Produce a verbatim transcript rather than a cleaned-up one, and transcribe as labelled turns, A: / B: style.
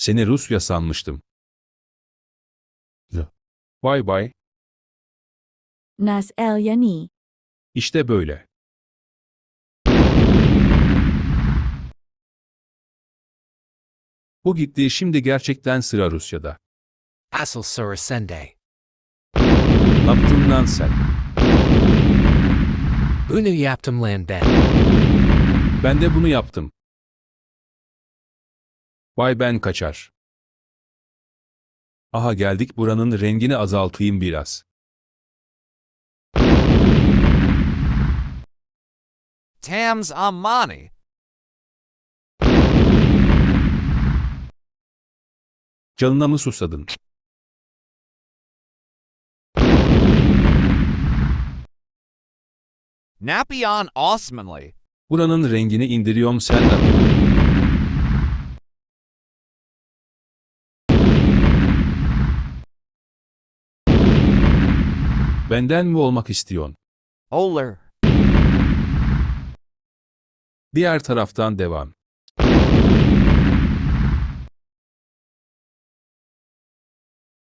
A: Seni Rusya sanmıştım. Vay bay.
B: Nas el yani.
A: İşte böyle. Bu gitti, şimdi gerçekten sıra Rusya'da.
C: Asıl sıra sende.
A: Ne yaptın lan sen?
C: Bunu yaptım lan ben.
A: Ben de bunu yaptım. Vay ben kaçar. Aha geldik, buranın rengini azaltayım biraz.
D: Tams Amani.
A: Canına mı susadın?
D: Napion Osmanli.
A: Buranın rengini indiriyorum, sen de. Benden mi olmak istiyorsun?
D: Oler.
A: Diğer taraftan devam.